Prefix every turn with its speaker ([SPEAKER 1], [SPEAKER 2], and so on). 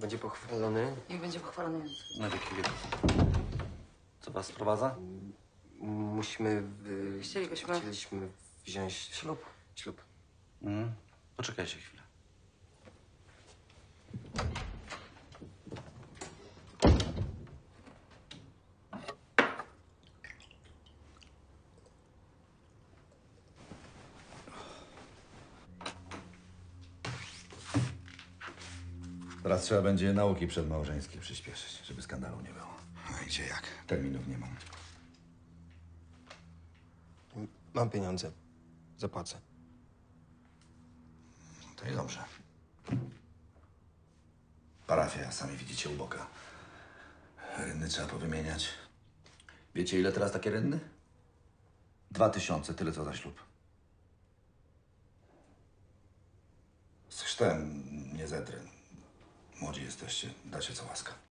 [SPEAKER 1] będzie pochwalony.
[SPEAKER 2] Niech będzie pochwalony Jezus.
[SPEAKER 3] Na wieki wieków. Co was sprowadza?
[SPEAKER 1] Musimy...
[SPEAKER 2] Chcielibyśmy
[SPEAKER 1] wziąć
[SPEAKER 2] ślub.
[SPEAKER 1] ślub.
[SPEAKER 3] Poczekajcie chwilę.
[SPEAKER 4] Teraz trzeba będzie nauki przedmałżeńskie przyspieszyć, żeby skandalu nie było.
[SPEAKER 5] A gdzie jak?
[SPEAKER 4] Terminów nie mam.
[SPEAKER 1] Mam pieniądze. Zapłacę.
[SPEAKER 4] To i dobrze. Parafia, sami widzicie, uboga. Rynny trzeba powymieniać. Wiecie, ile teraz takie rynny? 2000, tyle co za ślub. Z chrztem nie zetrę. Młodzi jesteście, dacie co łaska.